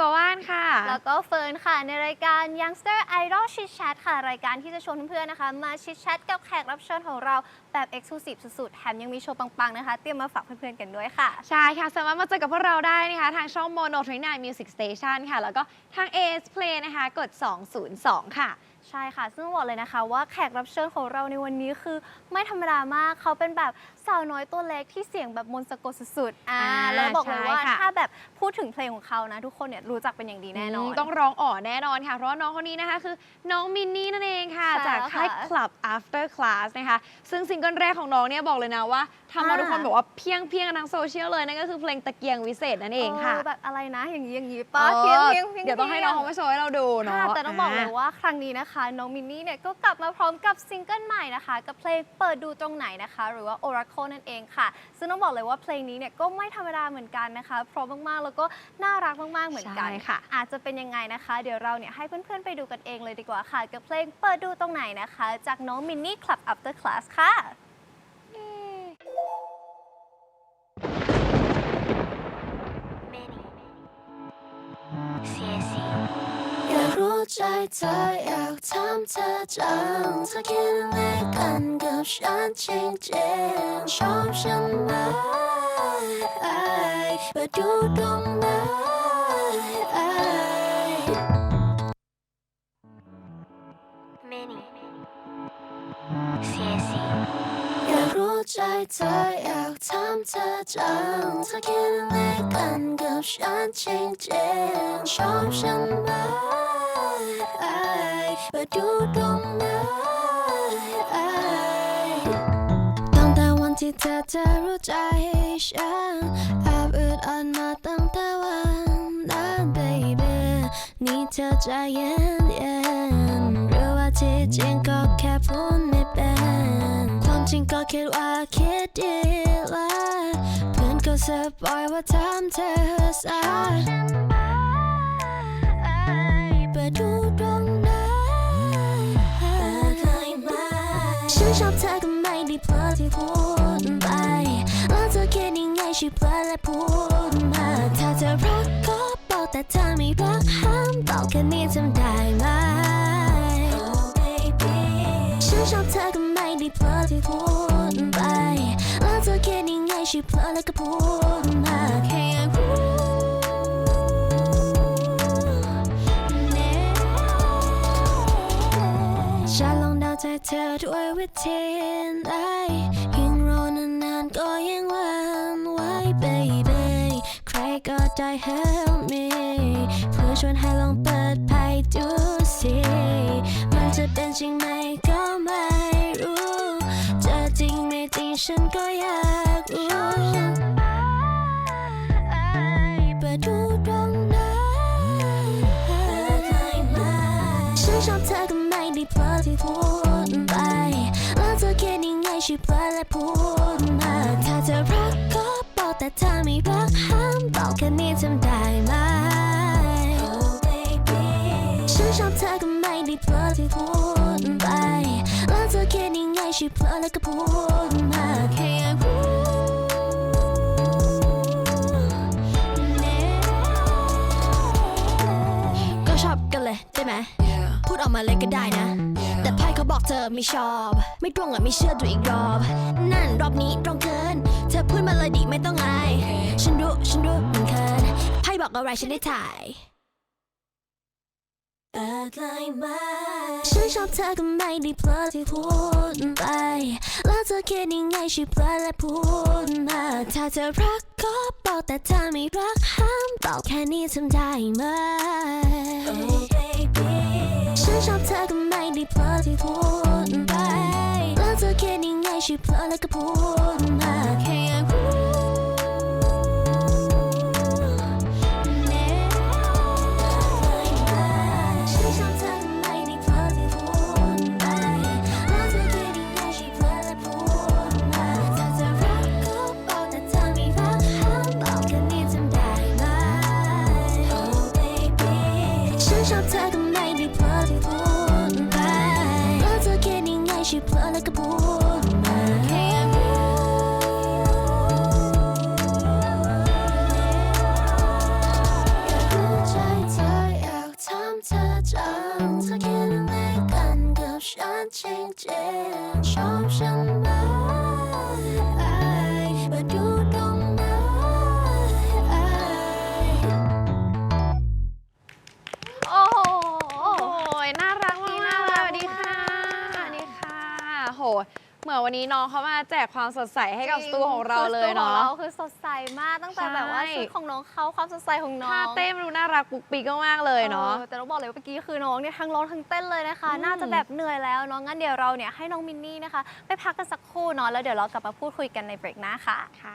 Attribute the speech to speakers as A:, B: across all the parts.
A: กับว่านค่ะ
B: แล้วก็เฟิร์นค่ะในรายการ Youngster Idol Chit Chat ค่ะรายการที่จะชวนเพื่อนๆนะคะมาชิดแชทกับแขกรับเชิญของเราแบบ Exclusive สุดๆแถมยังมีโชว์ปังๆนะคะเตรียมมาฝากเพื่อนๆกันด้วยค่ะ
A: ใช่ค่ะสามารถมาเจอกับพวกเราได้นะคะทางช่อง Mono 29 Music Station ค่ะแล้วก็ทาง AS Play นะคะกด202ค่ะ
B: ใช่ค่ะซึ่งบอกเลยนะคะว่าแขกรับเชิญของเราในวันนี้คือไม่ธรรมดามากเขาเป็นแบบสาวน้อยตัวเล็กที่เสียงแบบมนต์สะกดสุดๆแล้วบอกเลยว่าถ้าแบบพูดถึงเพลงของเขานะทุกคนเนี่ยรู้จักเป็นอย่างดีแน่นอน
A: ต้องร้องอ๋อแน่นอนค่ะเพราะว่าน้องคนนี้นะคะคือน้องมินนี่นั่นเองค่ะจากค่าย Club After Class นะคะซึ่งซิงเกิลแรกของน้องเนี่ยบอกเลยนะว่าทำมาทุกคนบอกว่าเพียงกันทั้งโซเชียลเลยนั่นก็คือเพลงตะเกียงวิเศษนั่นเองค่ะ
B: แบบอะไรนะอย่างนี้ป้าเพียง
A: เดี๋ยวต้องให้น้องเขามาโชว์ให้เราดูเนาะ
B: แต่ต้องบอกเลยว่าครั้งนี้นะคะน้องมินนี่เนี่ยก็กลับมาพร้อมกับซิงเกิลใหม่นะคะกับเพลงเปิดดูตรงไหนนะคะหรือว่า Oracle นั่นเองค่ะซึ่งต้องบอกเลยว่าเพลงนี้เนี่ยก็ไม่ธรรมดาเหมือนกันนะคะพร้อมมากๆแล้วก็น่ารักมากๆเหมือนกัน
A: ค่ะ
B: อาจจะเป็นยังไงนะคะเดี๋ยวเราเนี่ยให้เพื่อนๆไปดูกันเองเลยดีกว่าค่ะกับเพลงเปิดดูตรงไหนนะคะจากน้องมินนี่ Club After Class ค่ะ
C: อยากรู้ใจเธออยากถามเธอจังเธอคิดอะไรกันกับฉันจริงๆชอบฉันไหมไปดูตรงไหนอยากรู้ใจเธออยากถามเธอจังเธอคิดอะไรกันกับฉันจริงๆชอบฉันไหมไปดูตรงไหนตั้งแต่วันที่เธอจะรู้ใจฉันแอบอึดอัดมาตั้งแต่วันนั้น baby นี่เธอใจเย็นหรือว่าที่จริงก็แค่พูดไม่เป็นความจริงก็คิดว่าคิดดีแล้วเพื่อนก็สบายว่าทำเธอสายไปดูตรงไหนฉันชอบเธอก็ไม่ได้เพลิดที่พูดไปแล้วเธอคิดยังไงช่วยเพลิดและพูดมาถ้าเธอรักก็บอกแต่ถ้าไม่รักห้ามบอกแค่นี้ทำได้ไหม Oh baby ฉันชอบเธอก็ไม่ได้เพลิดที่พูดไปแล้วเธอคิดยังไงช่วยเพลิดแล้วก็พูดมาแค่อยากรู้ฉันลองเดาใจเธอด้วยวิธีไหนยิ่งรอนานๆก็ยิ่งหวั่นไหว baby ใครก็ได้ help me เพื่อชวนให้ลองเปิดไพ่ดูสิมันจะเป็นจริงไหมก็ไม่รู้จะจริงไม่จริงฉันก็อยากรู้เปิดดูตรงไหนฉันชอบเธอก็ไม่ได้เพลิดที่พูดไปแล้วเธอคิดยังไงช่วยเพลิดและพูดมาถ้าเธอรักก็บอกแต่ถ้าไม่รักห้ามบอกแค่นี้ทำได้ไหม Oh baby ฉันชอบเธอก็ไม่ได้เพลิดที่พูดไปแล้วเธอคิดยังไงช่วยเพลิดแล้วก็พูดมาแค่อยากรู้ก็ชอบกันเลยได้ไหมพูดออกมาเลยก็ได้นะแต่ไพ่เขาบอกเธอไม่ชอบไม่ตรงอ่ะไม่เชื่อดูอีกรอบนั่นรอบนี้ตรงเกินเธอพูดมาเลยดิไม่ต้องอายฉันรู้มันเคินไพ่บอกอะไรฉันได้ถ่ายฉันชอบเธอก็ไม่ได้เพลิดที่พูดไปแล้วเธอคิดยังไงช่วยเพลิดและพูดมาถ้าเธอรักก็บอกแต่ถ้าไม่รักห้ามบอกแค่นี้ทำได้ไหม Oh baby ฉันชอบเธอก็ไม่ได้เพลิดที่พูดไปแล้วเธอคิดยังไงช่วยเพลิดแล้วก็พูดมาแค่อยากรู้ชอบเธอก็ไม่ได้เพลิดที่พูดไปแล้วเธอคิดยังไงช่วยเพลิดแล้วก็พูดมาแค่อยากรู้อยากรู้ใจจังเธอคิดอะไรกันกับฉันจริงๆชอบฉันไหมมาดูตรงไหน
B: โอ้โห
A: โอ้ยน่ารักมาก
B: น่า
A: ๆ
B: รั
A: ส
B: ก
A: วัสดีค่ะ
B: มาก
A: สวัสดีค่ะโหเหมือนวันนี้น้องเขามาแจกความสดใสให้กับสตูของเราเลยเนาะ
B: คือสตูของเราคือสดใสมากตั้งแต่
A: ใช่
B: แบบว่าชุดของน้องเขาความสดใสของน้อง
A: ท่าเต้นดูน่ารักปุ๊กปิ๊กมากๆเลยเนาะ
B: แต่ต้องบอกเลยว่าเมื่อกี้คือน้องเนี่ยทั้งร้องทั้งเต้นเลยนะคะ น่าจะแบบเหนื่อยแล้วเนาะงั้นเดี๋ยวเราเนี่ยให้น้องมินนี่นะคะ ไปพักกันสักครู่เนาะแล้วเดี๋ยวเรากลับมาพูดคุยกันในเบรกหน้าค่ะ
A: ค่ะ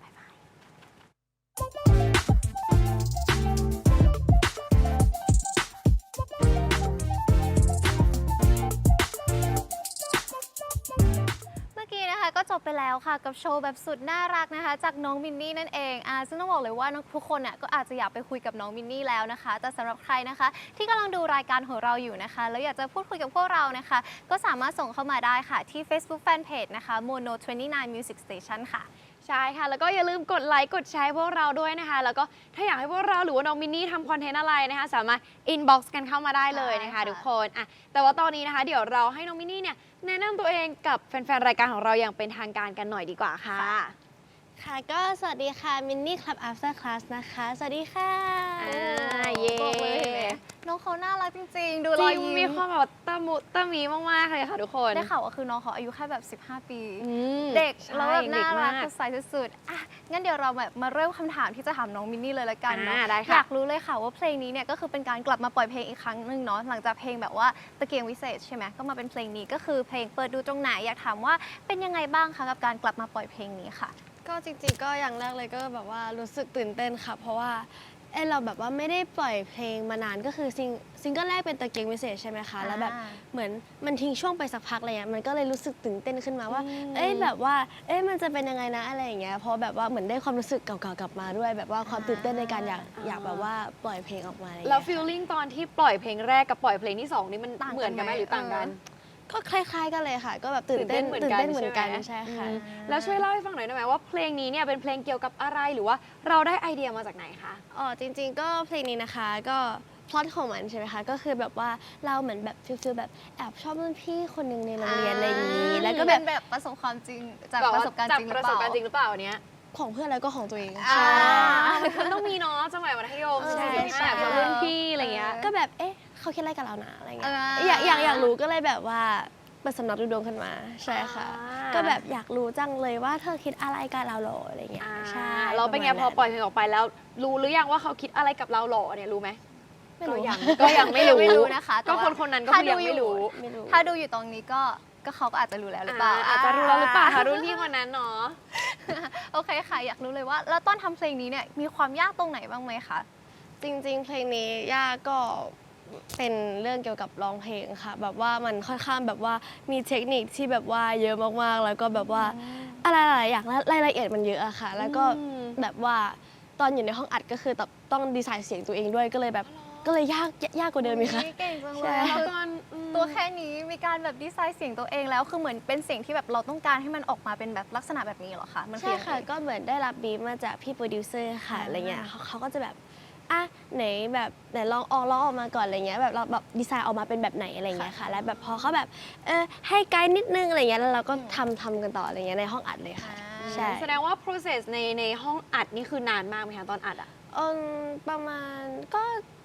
B: เมื่อกี้นะคะก็จบไปแล้วค่ะกับโชว์แบบสุดน่ารักนะคะ จากน้องมินนี่นั่นเองซึ่งต้องบอกเลยว่าทุกคนน่ะก็อาจจะอยากไปคุยกับน้องมินนี่แล้วนะคะ แต่สำหรับใครนะคะ ที่กำลังดูรายการของเราอยู่นะคะ แล้วอยากจะพูดคุยกับพวกเรานะคะ ก็สามารถส่งเข้ามาได้ค่ะที่ Facebook Fanpage นะคะ Mono 29 Music Station ค่ะ
A: ใช่ค่ะ แล้วก็อย่าลืมกดไลค์กดแชร์พวกเราด้วยนะคะ แล้วก็ถ้าอยากให้พวกเราหรือว่าน้องมินนี่ทำคอนเทนต์อะไรนะคะ สามารถอินบ็อกซ์กันเข้ามาได้เลยนะคะ
B: ใช่ค่ะ
A: ทุกคนแต่ว่าตอนนี้นะคะ เดี๋ยวเราให้น้องมินนี่เนี่ยแนะนำตัวเองกับแฟนๆรายการของเราอย่างเป็นทางการกันหน่อยดีกว่าค่ะ
D: ค่ะก็สวัสดีค่ะมินนี่คลับ after class นะคะ สวัสดีค่ะ
A: เย้
B: บอกเลยเห็นไหมน้องเขาน่ารักจริงๆ ดู
A: จ
B: รอ
A: ริ
B: ย
A: ง
B: ยิ้ม
A: มีความแบบตะมุตะมีมากๆเลยค่ะทุกคน
B: ได้ข่าวว่าคือน้องเขาอายุแค่แบบ 15 ปี
A: อืม
B: เด็ก
A: ใช่
B: แล้วแบบน่ารัก
A: เด็
B: สดใสสุดๆงั้นเดี๋ยวเราแบบมาเริ่มคำถามที่จะถามน้องมินนี่เลยละกันเนาะ
A: ได้ค่ะ
B: อยากรู้เลยค่ะว่าเพลงนี้เนี่ยก็คือเป็นการกลับมาปล่อยเพลงอีกครั้งหนึ่งเนาะหลังจากเพลงแบบว่าตะเกียงวิเศษใช่ไหมก็มาเป็นเพลงนี้ก็คือเพลงเปิดดูตรงไหนอยากถามว่าเป็นยังไงบ้างคะกับการกลับมาปล่อยเพลงนี้ค่ะ
D: ก็จริงๆก็อย่างแรกเลยก็แบบว่ารู้สึกตื่นเต้นค่ะ เพราะว่าเราแบบว่าไม่ได้ปล่อยเพลงมานานก็คือซิงเกิลแรกเป็นตะเกียงวิเศษใช่ไหมคะแล้วแบบเหมือนมันทิ้งช่วงไปสักพักอะไรเงี้ยมันก็เลยรู้สึกตื่นเต้นขึ้นมาว่า แบบว่ามันจะเป็นยังไงนะอะไรอย่างเงี้ยเพราะแบบว่าเหมือนได้ความรู้สึกเก่าๆกลับมาด้วย แบบว่าความตื่นเต้นในการอยากแบบว่าปล่อยเพลงออกมาอะไรอย่าง
A: แล้ว
D: เงี้ย
A: ฟีลลิ่งตอนที่ปล่อยเพลงแรกกับปล่อยเพลงที่สองนี่มัน
B: ต่างกัน
A: เหมือนกันไหม
B: ไหม
A: หรือต่างกัน
D: ก็คล้ายๆกันเลยค่ะ ก็แบบตื่นเต้น
A: เหมือน
D: ตื่น
A: กัน
D: เต้นเหมือนกัน
A: ใช่
D: ใช่
A: ไหม
D: ค่ะ
A: แล้วช่วยเล่าให้ฟังหน่อยได้ไหมว่าเพลงนี้เนี่ยเป็นเพลงเกี่ยวกับอะไรหรือว่าเราได้ไอเดียมาจากไหนคะ
D: อ๋อจริงๆก็เพลงนี้นะคะก็พล็อตของมันใช่ไหมคะก็คือแบบว่าเราเหมือนแบบฟิลแบบแอบชอบรุ่นพี่คนหนึ่งในโรงเรียนอะไรอย่างนี้แล้วก็แบบ
B: เป็นแบบประสบความจริงจาก
A: แบบ
B: ป
A: ว่า
B: ระสบการณ์
A: จาก
B: จริงห
A: ป
B: รือ
A: ระ
B: เป
A: สบ
B: ล่า
A: การณ์จริงหรือเปล่าอันเนี้ย
D: ของเพื่อนแล้วก็ของตัวเอง
B: อ่า
A: มันต้องมีเนาะสมัยมัธยม
D: ใช่
A: ใช่แบบรุ่นพี่อะไรเงี้ย
D: ก็แบบเขาคิดอะไรกับเรานะอะไรเงี้ย
B: อ่า
D: อยากรู้ก็เลยแบบว่าเปิดสำนักดูดวงขึ้นมาใช่ค่ะ ก็แบบอยากรู้จังเลยว่าเธอคิดอะไรกับเราหรออะไรเงี้ยใช่
A: เราเป็นไง
D: ระ
A: พ
D: มา
A: อ
D: ณนั้น
A: ปล่อยเพลงออกไปแล้ว รู้หรือยังว่าเขาคิดอะไรกับเราหรอเนี่ยรู้ไหม
D: ไม่รู้
A: ก็ยังไม่รู้
B: ไม่รู้นะคะแต่
A: ก็
B: ว่า
A: คนนั้นก็
B: ถ้า
A: คือยังไม่รู้
D: ไม่รู้
B: ถ้าดูอยู่ตรงนี้ก็เขาก็อาจจะรู้แล้วหรือเปล่า
A: อาจจะรู้แล้วหรือเปล่าคะรุ่นพี่คนนั้นเนาะ
B: โอเคค่ะ อยากรู้เลยว่า แล้วตอนทำเพลงนี้เนี่ยมีความยากตรงไหนบ้างไหมคะ
D: จริงๆ เพลงนี้ย่าก็เป็นเรื่องเกี่ยวกับร้องเพลงค่ะ แบบว่ามันค่อนข้างแบบว่ามีเทคนิคที่แบบว่าเยอะมากๆ แล้วก็แบบว่าอะไรหลายๆอย่างและรายละเอียดมันเยอะอะค่ะ แล้วก็
A: อืม
D: แบบว่าตอนอยู่ในห้องอัดก็คือต้องดีไซน์เสียงตัวเองด้วยก็เลยแบบก็เลยยากกว่าเดิมอีกค่ะ
B: เก่งจังเล
D: ใช่
B: ย
A: แล้ว
B: คือ
A: ตอน
B: ตัวแค่นี้มีการแบบดีไซน์เสียงตัวเองแล้วคือเหมือนเป็นเสียงที่แบบเราต้องการให้มันออกมาเป็นแบบลักษณะแบบนี้เหรอคะมันคือ
D: ใช่
B: ยังไง
D: ค่ะ ก็เหมือนได้รับบีฟมาจากพี่โปรดิวเซอร์ค่ะอะไรเงี้ยเขาก็จะแบบไหนแบบไหนลองออกมาก่อนอะไรเงี้ยแบบเราแบบดีไซน์ออกมาเป็นแบบไหนอะไรเงี้ยค่ะ แล้วแบบพอเขาแบบให้ไกด์นิดนึงอะไรเงี้ยแล้วเราก็ทำกันต่ออะไรเงี้ยในห้องอัดเลยค่ะ ใช่
A: แสดงว่า process ในห้องอัดนี่คือนานมากไหมคะตอนอัดอะ
D: ประมาณก็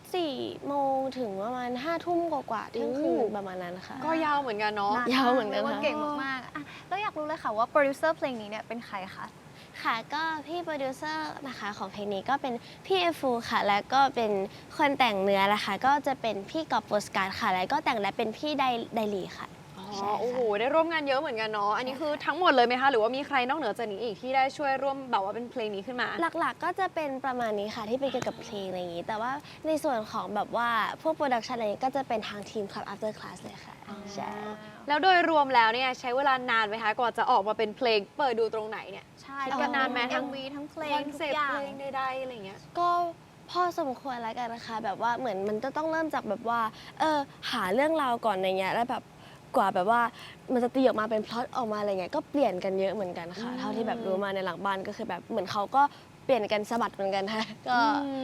D: 4 โมงถึงประมาณ5 ทุ่มกว่าๆเที่ยงคืนประมาณนั้นค่ะ
A: ก็ยาวเหมือนกันเนาะ
D: ยาวเหมือนกัน
B: รีว่า
D: ค่ะ
B: เก่งมากๆแล้วอยากรู้เลยค่ะว่าโปรดิวเซอร์เพลงนี้เนี่ยเป็นใครคะ
D: ค่ะก็พี่โปรดิวเซอร์นะคะของเพลงนี้ก็เป็นพี่เอฟูค่ะ แล้วก็เป็นคนแต่งเนื้อนะคะก็จะเป็นพี่กอบโปสการ์ดค่ะ แล้วก็แต่งและเป็นพี่ไดลีค่ะ ใช่ค่ะ
A: โอ้โห ได้ร่วมงานเยอะเหมือนกันเนาะ อันนี้คือทั้งหมดเลยไหมคะ หรือว่ามีใครนอกเหนือจากนี้อีกที่ได้ช่วยร่วมแบบว่าเป็นเพลงนี้ขึ้นมา
D: หลักๆก็จะเป็นประมาณนี้ค่ะที่เป็นเกี่ยวกับเพลงอะไรอย่างนี้ แต่ว่าในส่วนของแบบว่าพวกโปรดักชันอะไรอย่างนี้ก็จะเป็นทางทีม Club After Class เลยค่ะใช่
A: แล้วโดยรวมแล้วเนี่ยใช้เวลานานไหมคะกว่าจะออกมาเป็นเพลงเปิดดูตรงไหนเนี่ย
B: ใช่
A: คิดกันนานไหมทั้ง
B: MV ทั้งเพล
A: ค
B: ง
A: อน
B: ทุก
A: เซ็ป
B: อ
A: ต์
B: ย่าง
A: เพลงใดๆอะไรเงี้ย
D: ก็พอสมควรแล้วกันนะคะ แบบว่าเหมือนมันจะต้องเริ่มจากแบบว่าหาเรื่องราวก่อนอะไรเงี้ยแล้วแบบกว่าแบบว่ามันจะตีออกมาเป็นพล็อตออกมาอะไรเงี้ยก็เปลี่ยนกันเยอะเหมือนกันค่ะ เท่าที่แบบรู้มาในหลังบ้านก็คือแบบเหมือนเขาก็เปลี่ยนกันสะบัดเหมือนกันค่ะก็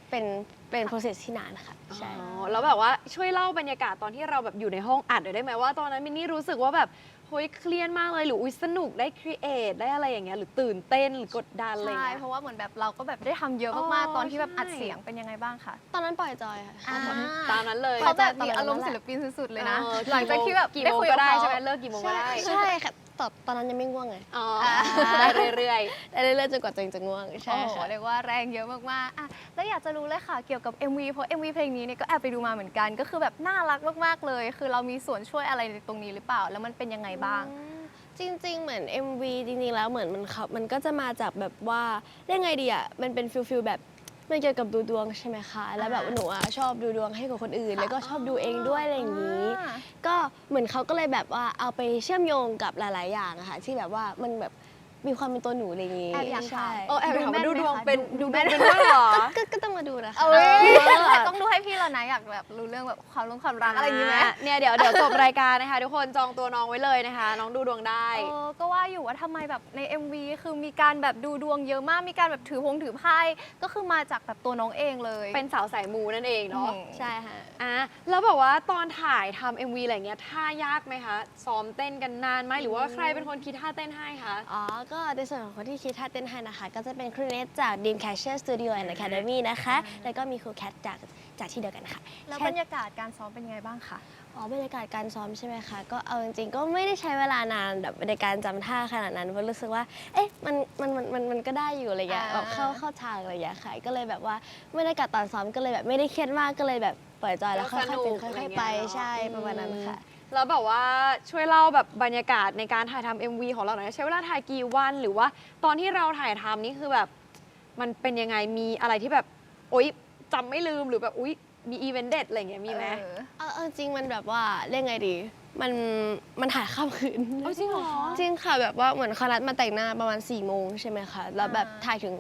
D: เป็น process ที่นานค่ะใช่
A: อ๋อแล้วแบบว่าช่วยเล่าบรรยากาศตอนที่เราแบบอยู่ในห้องอัดหน่อยได้ไหมว่าตอนนั้นมินนี่รู้สึกว่าแบบเฮ้ยเครียดมากเลยหรืออุ๊ยสนุกได้ครีเอทได้อะไรอย่างเงี้ยหรือตื่นเต้นหรือกดดันอะไรอย่าง
B: ใช่
A: เงี้ย
B: เพราะว่าเหมือนแบบเราก็แบบได้ทำเยอะ
A: อ๋
B: มาก
A: อ
B: ๆ ตอนที่แบบ
A: ใช่
B: อัดเสียงเป็นยังไงบ้างคะ
D: ตอนนั้นปล่อยจอยค่ะ
A: ตามนั้นเลย
B: เขาแบบ
D: ตอน
B: มี
D: นั้น
B: อารมณ์
D: แหละ
B: ศิลปินสุดๆเลยนะ
A: เออ
B: หลังจากที่แบบ
A: กี่
B: ได้
A: โมง
B: คุย
A: ก็
B: กับ
A: ได้
B: เขา
A: ใช่ไหมเลิกกี่โมงก็ได้
D: ใช่ค่ะตอนนั้นยังไม่ง่วงไง
A: อ๋อได้เรื่อย
D: ได้เรื่อยๆจนกว่าตัวเองจะง่วงใช่
B: โอ้โห
D: ค่ะ
B: เรียกว่าแรงเยอะมากๆอ่ะแล้วอยากจะรู้เลยค่ะเกี่ยวกับ MV เพราะ MV เพลงนี้เนี่ยก็แอบไปดูมาเหมือนกัน ก็คือแบบน่ารักมากๆเลย คือเรามีส่วนช่วยอะไรในตรงนี้หรือเปล่า แล้วมันเป็นยังไงบ้าง
D: จริงๆ เหมือน MV จริงๆ แล้วเหมือนมันก็จะมาจากแบบว่าเรียกไงดีอ่ะมันเป็นฟิลแบบมันเกี่ยวกับดูดวงใช่ไหมคะแล้วแบบหนูอ่ะชอบดูดวงให้กับคนอื่น แล้วก็ชอบดูเองด้วยอะไรอย่างนี้ ก็เหมือนเขาก็เลยแบบว่าเอาไปเชื่อมโยงกับหลาย ๆ อย่างอะค่ะที่แบบว่ามันแบบมีความเป็นตัวหนูอะไรอย่างนี้
B: แอบอยากถาม
D: ใช่
A: ๆเออแอบถามว่าดูดวงเป็น
B: ดู
A: ดู
B: แม่
A: แม่
B: น
A: เป็นด้วยเหรอ
D: ก็ต้องมาดูนะคะ
B: เอ้ยแต่ต้องดูให้พี่แล้วนะอยากแบบรู้เรื่องแบบความรักอะไรอย่างนี้ไหม
A: เนี่ยเดี๋ยวจบรายการนะคะทุกคนจองตัวน้องไว้เลยนะคะ น้องดูดวงได้
B: ก็ว่าอยู่ว่าทำไมแบบใน MV คือมีการแบบดูดวงเยอะมาก มีการแบบถือไพ่ก็คือมาจากแบบตัวน้องเองเลย
A: เป็นสาวสายมูนั่นเองเนาะ
D: ใช่ค่ะ
A: แล้วแบบว่าตอนถ่ายทำ MV อะไรเงี้ยท่ายากไหมคะซ้อมเต้นกันนานไหมหรือว่าใครเป็นคนคิดท่าเต้นให้คะ
D: อ๋อ ก็ในส่วนของคนที่คิดท่าเต้นให้นะคะ ก็จะเป็นครูเนสจาก Dreamcatcher Studio and Academy นะคะ แล้วก็มีครูแคทจากที่เดียวกันค่ะ
B: แล้ว
D: แค่
B: บรรยากาศการซ้อมเป็นยังไงบ้างคะ
D: อ๋อบรรยากาศการซ้อมใช่ไหมคะ ก็เอาจริงๆ ก็ไม่ได้ใช้เวลานานแบบในการจำท่าขนาดนั้นเพราะรู้สึกว่า เอ๊ะ มันก็ได้อยู่อะไรเงี้ย แบบเข้าทางอะไรอย่างเงี้ยค่ะ ก็เลยแบบว่าบรรยากาศตอนซ้อมก็เลยแบบไม่ได้เครียดมาก ก็เลยแบบปล่อยจอยแล้วค่อยๆเป็นค่อยๆไป ใช่ ประมาณนั้นค่ะ
A: แล้วแบบว่าช่วยเล่าแบบบรรยากาศในการถ่ายทำ MV ของเราหน่อยนะใช้เวลาถ่ายกี่วันหรือว่าตอนที่เราถ่ายทำนี่คือแบบมันเป็นยังไงมีอะไรที่แบบโอ๊ยจำไม่ลืมหรือแบบอุ๊ยมีอีเวนต์เด็ดอะไรอย่างเงี้ยมีไหม
D: เอาจริงมันแบบว่าเรียกไงดี มันถ่ายข้ามคืน
A: เอาจริงเหรอ
D: จริงค่ะแบบว่าเหมือนคณะมาแต่งหน้าประมาณ4 โมงใช่ไหมคะ แล้วแบบถ่ายถึง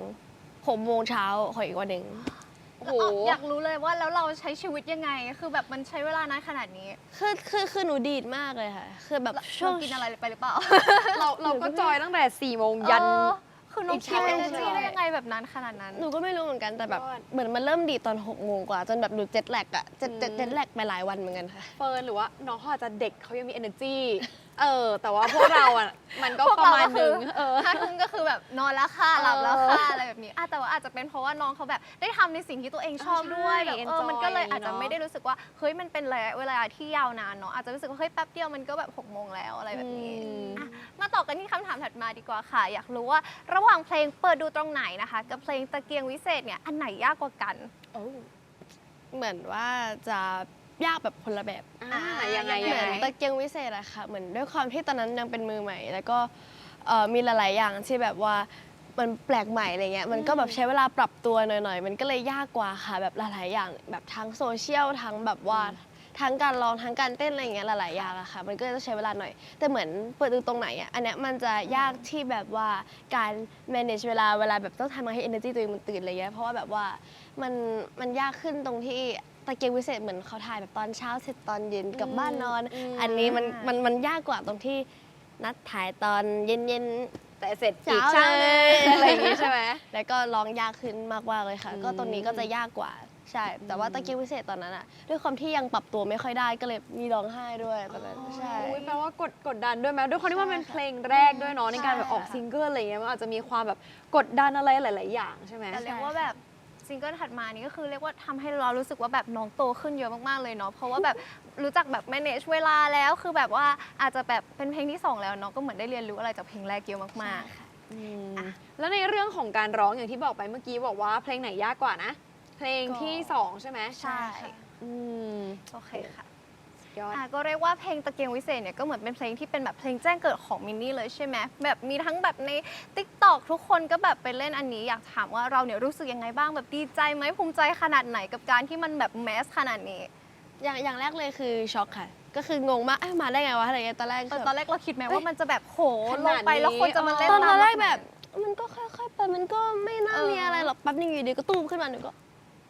D: 6 โมงเช้าของอีกวันหนึ่ง
A: โอ้โห
B: อยากรู้เลยว่าแล้วเราใช้ชีวิตยังไง คือแบบมันใช้เวลานานขนาดนี้
D: คือหนูดีดมากเลยค่ะ คือแบบช่วง
B: เรากินอะไรไปหรือเปล่า
A: เราก็จอยตั้งแต่4 โมงยัน
B: คือน้อง
A: อีก
B: คิด
A: เช้า
B: เอเนอร์จี
A: เลย
B: ได้ยังไงแบบนั้นขนาดนั้น
D: หนูก็ไม่รู้เหมือนกันแต่แบบ
A: ยอด
D: เหมือนมันเริ่มดีดตอน6 โมงกว่า จนแบบหนูเจ็ตแลกอะเจ็ตแลกไปหลายวันเหมือนกันค่ะ
A: เฟิร์นหรือว่าน้องเขาอาจจะเด็กเขายังมี energy แต่ว่าพวกเราอ่ะมันก็
B: พวก
A: ประ
B: เรา
A: มาณ
B: ก็
A: ห
B: คื
A: นึ่
B: อง
A: เออ
B: 5 ทุ่มก็คือแบบนอนแล้วค่ะหลับแล้วค่ะอะไรแบบนี้แต่ว่าอาจจะเป็นเพราะว่าน้องเขาแบบได้ทำในสิ่งที่ตัวเองชอบด้วย
A: ใช่
B: แบบ
A: enjoy
B: มันก็เลยอาจจะ
A: เนอะ
B: ไม่ได้รู้สึกว่าเฮ้ยมันเป็นระยะเวลาที่ยาวนานเนาะอาจจะรู้สึกว่าเฮ้ยแป๊บเดียวมันก็แบบ6 โมงแล้วอะไรแบบนี้อ่ะมาต่อกันที่คำถามถัดมาดีกว่าค่ะ อยากรู้ว่าระหว่างเพลงเปิดดูตรงไหนนะคะ กับเพลงตะเกียงวิเศษเนี่ยอันไหนยากกว่ากัน
D: เหมือนว่าจะยากแบบคนละแบบ
A: ยังไง
B: ยั
D: เห
B: ง
D: มื
B: ไง
D: อนตะเกียงวิเศษอะค่ะ เหมือนด้วยความที่ตอนนั้นยังเป็นมือใหม่ แล้วก็มีหลาย ๆ อย่างที่แบบว่ามันแปลกใหม่อะไรเงี้ย มันก็แบบใช้เวลาปรับตัวหน่อย ๆ มันก็เลยยากกว่าค่ะ แบบหลาย ๆ อย่างแบบทั้งโซเชียลทั้งแบบว่าทั้งการร้องทั้งการเต้นอะไรเงี้ยหลาย ๆ อย่างอะค่ะ มันก็จะใช้เวลาหน่อย แต่เหมือนเปิดดูตรงไหนอะอันเนี้ยมันจะยากที่แบบว่าการ manage เวลาแบบต้องทำให้ energy ตัวเองมันตื่นอะไรเงี้ย เพราะว่าแบบว่ามันยากขึ้นตรงที่ตะเกียงวิเศษเหมือนเขาถ่ายแบบตอนเช้าเสร็จตอนเย็นกลับบ้านนอน อันนี้มันยากกว่าตรงที่นัดถ่ายตอนเย็น
A: แต่เสร็จอีก
D: เช้า
A: เช้า
D: เล
A: เลย ยอะไรอย่างงี้ใช่ไหม
D: ๆ แล้วก็ร้องยากขึ้นมากๆเลยค่ะ
A: อืม
D: ก็ตรงนี้ก็จะยากกว่าใช่ แต่ว่าตะเกียงวิเศษตอนนั้นอะด้วยความที่ยังปรับตัวไม่ค่อยได้ก็เลยมีร้องไห้ด้วยตอนนั้นใช่
A: อุ๊ยแปลว่ากดดันด้วยไหมด้วยความที่ว่ามันเป็นเพลงแรกด้วยเนาะในการแบบออกซิงเกิลอะไรเงี้ยมันอาจจะมีความแบบกดดันอะไรหลาย ๆ อย่างใช่ไหม
B: แต่เรียกว่าแบบซิงเกิลถัดมานี้ก็คือเรียกว่าทำให้เรารู้สึกว่าแบบน้องโตขึ้นเยอะมากๆเลยเนาะเพราะว่าแบบรู้จักแบบ manage เวลาแล้วคือแบบว่าอาจจะแบบเป็นเพลงที่ 2 แล้วเนาะก็เหมือนได้เรียนรู้อะไรจากเพลงแรกเยอะมากๆ
A: แล้วในเรื่องของการร้องอย่างที่บอกไปเมื่อกี้บอกว่าเพลงไหนยากกว่านะ เพลงที่ 2 ใช่ไหม
B: ใช่
A: อืม
B: โอเคค่ะ
A: ยอด
B: ก็เรียกว่าเพลงตะเกียงวิเศษเนี่ยก็เหมือนเป็นเพลงที่เป็นแบบเพลงแจ้งเกิดของมินนี่เลยใช่ไหมแบบมีทั้งแบบใน TikTok ทุกคนก็แบบไปเล่นอันนี้อยากถามว่าเราเนี่ยรู้สึกยังไงบ้างแบบดีใจไหมภูมิใจขนาดไหนกับการที่มันแบบแมสขนาดนี้
D: อย่างแรกเลยคือช็อกค่ะ ก็คืองงมากมาได้ไงวะอะไรเงี้ยตอนแรก
B: ตอนแรกเราคิดไหมว่ามันจะแบบโห
A: ข
B: ล
A: นาด
B: งไปแล้วคนจะมาเล่น
D: ตอน
B: ตาม
D: แรกแบบมันก็ค่อยๆไปมันก็ไม่น่ามีอะไรหรอกแป๊บนึงอยู่ดีก็ตุ้มขึ้นมาหนูก็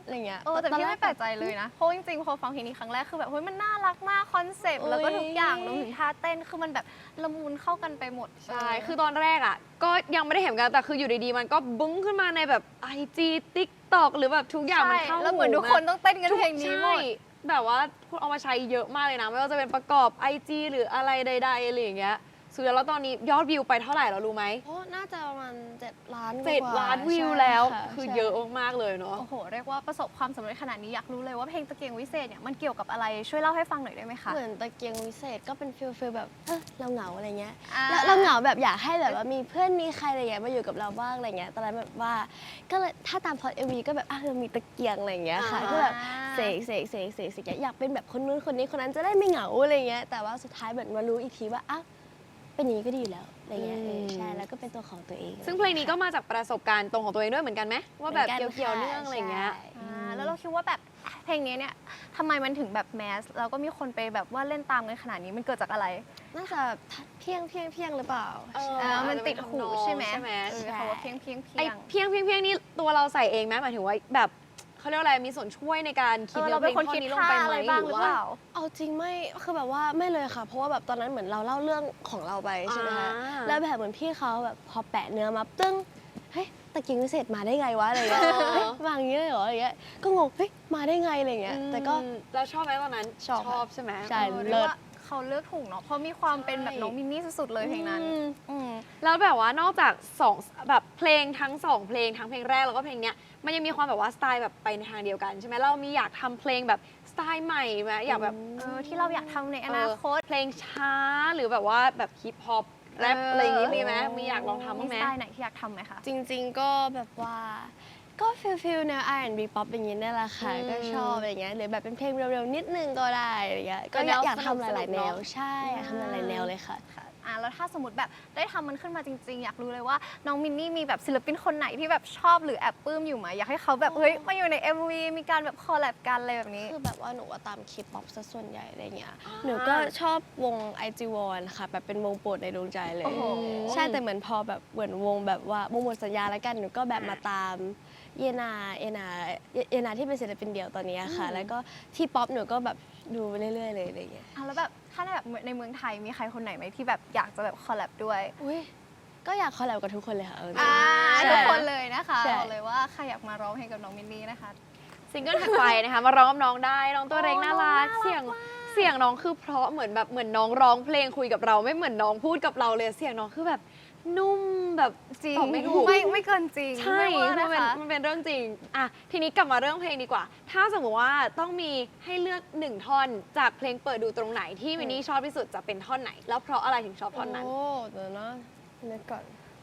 D: อะไรเงี้ย
B: แต่พี่ไม่แปลกใจเลยนะ เพราะจริงๆพอฟังเพลงนี้ครั้งแรกคือแบบเฮ้ยมันน่ารักมากคอนเซปต์แล้วก็ทุกอย่างรวมถึงท่าเต้นคือมันแบบละมุนเข้ากันไปหมด
A: ใช่ คือตอนแรกอ่ะ ก็ยังไม่ได้เห็นกันแต่คืออยู่ดีๆ มันก็บุ้งขึ้นมาในแบบ IG TikTok หรือแบบทุกอย่างมันเข้า
B: แล้วเหมือนทุกคนต้องเต้นกันเพลงนี้หมด
A: ใช่แบบว่าคุณเอามาใช้เยอะมากเลยนะ ไม่ว่าจะเป็นประกอบ IG หรืออะไรใดๆอะไรอย่างเงี้ยสุดแล้วตอนนี้ยอดวิวไปเท่าไหร่แล้วรู้ไหม
D: โอ้น่าจะประมาณ7 ล้านกว่า
A: 7 ล้านวิว
D: ใช่
A: แล้ว
D: ค่ะ
A: คือ
D: ใช่
A: เยอะมากๆเลยเนาะ
B: โอ้โห เรียกว่าประสบความสำเร็จขนาดนี้อยากรู้เลยว่าเพลงตะเกียงวิเศษเนี่ยมันเกี่ยวกับอะไรช่วยเล่าให้ฟังหน่อยได้ไหมคะ
D: เหมือนตะเกียงวิเศษก็เป็นฟิลแบบเราเหงาอะไรเงี้ย
B: อ่า
D: แล้วเราเหงาแบบอยากให้แบบว่ามีเพื่อนมีใครอะไรเงี้ยมาอยู่กับเราบ้างอะไรเงี้ยตอนนั้นแบบว่าก็เลยถ้าตามพล็อต MV ก็แบบเรามีตะเกียงอะไรเงี้ยค่ะก็แบบเสกอยากเป็นแบบคนนู้นคนนี้คนนั้นจะได้ไม่เหงาอะไรเงี้ยแต่ว่าสุดท้ายเหมือนมารู้อีกทีว่าเป็นอย่างนี้ก็ดีอยู่แล้วอะไรเงี้ยใช่แล้วก็เป็นตัวของตัวเอง
A: ซึ่งเพลงนี้ก็มาจากประสบการณ์ตรงของตัวเองด้วยเหมือนกันไหมว่าแบบ
D: หมื
A: เกี่ยวๆเนื่องอะไรอย่างเงี้ย
D: ใช่
B: แล้วเราคิดว่าแบบเพลงนี้เนี่ยทำไมมันถึงแบบแมสแล้วก็มีคนไปแบบว่าเล่นตามกันขนาดนี้มันเกิดจากอะไร
D: น่าจะเพียงหรือเปล่า
B: มันติดหูใช่ไหม
A: ใช่ไหม
B: คำว่าเพียงเพียง
A: ไอ้เพียงนี่ตัวเราใส่เองไหมหมายถึงว่าแบบเขาเรียกว่าอะไรมีส่วนช่วยในการคิด
B: เรา
A: เนื้อเพ
B: เป็
A: ล
B: น
A: ง
B: คน
A: ท่อน
B: คิด
A: นี้ลง
B: ท่า
A: ไปไหม
B: อะไรบ้าง
A: ห
B: ห
A: รื
B: รือ อ
A: ว่า
B: เปล่า
D: เอาจริงไม่คือแบบว่าไม่เลยค่ะ เพราะว่าแบบตอนนั้นเหมือนเราเล่าเรื่องของเราไปใช่ไหมคะ
A: อ่า
D: แล้วแบบเหมือนพี่เขาแบบพอแปะเนื้อมาตึ้งเฮ้ยตะเกียงวิเศษมาได้ไงวะอะไรเงี้ยเฮ้ยวางอย่างนี้เลยเหรออะไรเงี้ยก็งงเฮ้ยมาได้ไงอะไรเงี้ยแต่ก็
A: เราชอบไหมตอนนั้น
D: ชอบค่ะ
A: ใช่ไหม
D: ใช่
B: เรียกว่าเขาเลือกถูกเนาะเพราะมีความเป็นแบบน้องมินนี่สุดๆเลยเพลงนั้นอืม
A: แล้วแบบว่านอกจาก2แบบเพลงทั้ง2เพลงทั้งเพลงแรกแล้วก็เพลงเนี้ยมันยังมีความแบบว่าสไตล์แบบไปในทางเดียวกันใช่ไหมเรามีอยากทำเพลงแบบสไตล์ใหม่ไหมอยากแบบ
B: ที่เราอยากทำในอนาคต
A: เพลงช้าหรือแบบว่าแบบฮิปฮอปแรปอะไรอย่างงี้มีไหมมีอยากลองทำบ้างไหม
B: สไตล์ไหนที่อยากทำไหมคะ
D: จริงๆก็แบบว่าก็ฟิลแนว R&B ป๊อปอย่างนี้นี่แหละค่ะก็ชอบอะไรเงี้ยหรือแบบเป็นเพลงเร็วๆนิดนึงก็ได้อะไรเงี้ยก็อยากทำหลายๆแนวใช่อยากทำหลายๆแนวเลยค่ะ
B: แล้วถ้าสมมติแบบได้ทำมันขึ้นมาจริงๆ อยากรู้เลยว่าน้องมินนี่มีแบบศิลปินคนไหนที่แบบชอบหรือแอบปลื้มอยู่ไหมอยากให้เขาแบบเฮ้ยมาอยู่ใน MV มีการแบบคอลแลบกันอะไรแบบนี้
D: คือแบบว่าหนูว่าตามคลิปป๊อปซะส่วนใหญ่อะไรเงี้ย
A: อ่า
D: หนูก็ชอบวง IG1 ค่ะแบบเป็นวงโปรดในดวงใจเลย
B: โอ้โห
D: ใช่แต่เหมือนพอแบบเหมือนวงแบบว่าวงหมดสัญญาแล้วกันหนูก็แบบมาตามเยนาที่เป็นศิลปินเดี่ยวตอนนี้ค่ะ แล้วก็ที่ป๊อปหนูก็แบบดูไปเรื่อยๆเลยอะไรเงี้ย
B: แล้วแบบถ้าในแบบในเมืองไทยมีใครคนไหนไหมที่แบบอยากจะแบบคอลแลบด้วย
D: อุ้ยก็อยากคอลแลบกับทุกคนเลยค่ะใช่
B: ทุกคนเลยนะคะ
D: ใช่
B: บอกเลยว่าใครอยากมาร้องเพลงกับน้องมินนี่นะคะ
A: ซิงเกิลถัดไปนะคะมาร้องกับน้องได้น้องตัวเล็กน่ารัก
B: น้องน่ารัก
A: เสียง
B: มาก
A: เสียงน้องคือเพราะเหมือนแบบเหมือนน้องร้องเพลงคุยกับเราไม่เหมือนน้องพูดกับเราเลยเสียงน้องคือแบบนุ่มแบบ
B: จริง
A: ตอบไม่ถูก
B: ไม่เกินจริง
A: ใช่
B: ไม่เวอร์
A: มั
B: นะ
A: นเป็น
B: คะ
A: มันเป็นเรื่องจริงอ่ะทีนี้กลับมาเรื่องเพลงดีกว่า ถ้าสมมติว่าต้องมีให้เลือก1 ท่อนจากเพลงเปิดดูตรงไหนที่มินนี่ชอบที่สุดจะเป็นท่อนไหน แล้วเพราะอะไรถึงชอบท่อนนั้น
D: โอ้เดี๋ยวนะนึกก่อน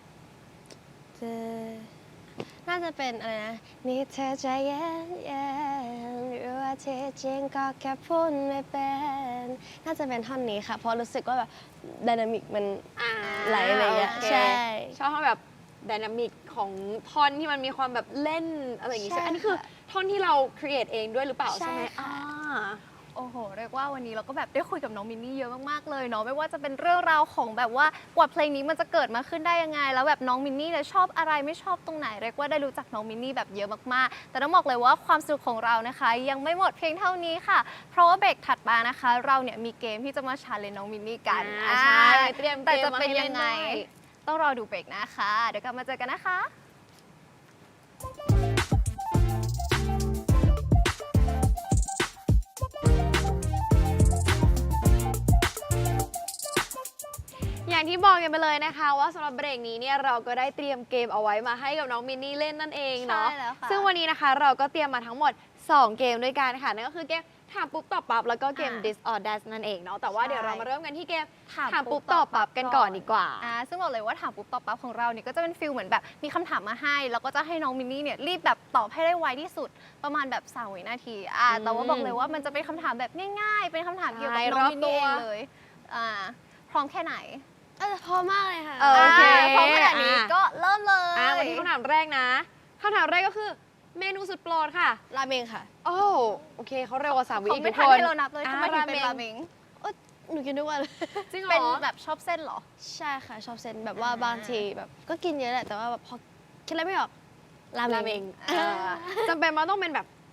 D: น่าจะเป็นอะไรนะนี่เธอใจเย็นหรือว่าที่จริงก็แค่พูดไม่เป็นน่าจะเป็นท่อนนี้ค่ะเพราะรู้สึกว่าแบบไดนามิกมัน ไหลอะไรอย่างเงี้ย
A: โค
D: ใช่
A: ชอบท่อนแบบไดนามิกของท่อนที่มันมีความแบบเล่นอะไรอย่างงี้ใช่ไหม
D: ใช่
A: อันนี้คือ
D: ค่ะ
A: ท่อนที่เราครีเอทเองด้วยหรือเปล่า
D: ใช่
A: ใช่ไหม
D: ค่ะ
B: โอ้โห เรียกว่าวันนี้เราก็แบบได้คุยกับน้องมินนี่เยอะมากๆเลยเนาะไม่ว่าจะเป็นเรื่องราวของแบบว่ากว่าเพลงนี้มันจะเกิดมาขึ้นได้ยังไง แล้วแบบน้องมินนี่เนี่ยชอบอะไรไม่ชอบตรงไหนเรียกว่าได้รู้จักน้องมินนี่แบบเยอะมากๆ แต่ต้องบอกเลยว่าความสนุกของเรานะคะ ยังไม่หมดเพียงเท่านี้ค่ะ เพราะว่าเบรกถัดมานะคะ เราเนี่ยมีเกมที่จะมาชาเลนจ์น้องมินนี่กัน
A: ใช่เตรียมเกม
B: แต่จะ
A: มา
B: เป็น
A: ให้เล่
B: ยั
A: น
B: งไง
A: ด้วย
B: ต้องรอดูเบรกนะคะเดี๋ยวกลับมาเจอกันนะคะ
A: อย่างที่บอกกันไปเลยนะคะ ว่าสำหรับเบรกนี้เนี่ยเราก็ได้เตรียมเกมเอาไว้มาให้กับน้องมินนี่เล่นนั่นเองเนาะ
B: ใช่แล้วค่ะ
A: ซึ่งวันนี้นะคะเราก็เตรียมมาทั้งหมด 2 เกมด้วยกันค่ะนั่นก็คือเกมถามปุ๊บตอบปั๊บแล้วก็เกม this or that นั่นเองเนาะแต่ว่าเดี๋ยวเรามาเริ่มกันที่เกมถามปุ๊บตอบปั๊บกันก่อนดีกว่า
B: ซึ่งบอกเลยว่าถามปุ๊บตอบปั๊บของเราเนี่ยก็จะเป็นฟิลเหมือนแบบมีคำถามมาให้ แล้วก็จะให้น้องมินนี่เนี่ยรีบแบบตอบให้ได้ไวที่สุดประมาณแบบ3 วินาทีแต่ว่าบอกเลยว่ามันจะเป็นคำถามแบบง่ายๆ เป็นคำถามเกี่ยวกับ
A: ใช่
B: น้องมินนี่
A: รอบตัว
B: เองเลยพร้อมแค่ไหน
D: พอมากเลยค่ะ
A: โอเค
B: พร้อมขนาดนี้ก็เริ่มเลย
A: วันนี้คำถามแรกนะคำถามแรกก็คือเมนูสุดโปรดค่ะ
D: ราเมงค่ะ
A: โอ้โอเคเขาเร็วกว่า3 วิ
B: เขา
A: อีก
B: ไม่
A: ทุก
B: ทัน
A: คน
B: ให้เรานับเลยทำไมถึงเป็นราเมง
D: หนูกินทุกวันเลย
A: จริงเหร
B: เป็น
A: อ
B: แบบชอบเส้นเหรอ
D: ใช่ค่ะ ชอบเซนแบบว่าบางทีแบบก็กินเยอะแหละแต่ว่าแบบพอคิดอะไรไม่ออกรา
A: รา
D: เม
A: เม
D: ง
A: งจำเป็นมันต้องเป็นแบบเ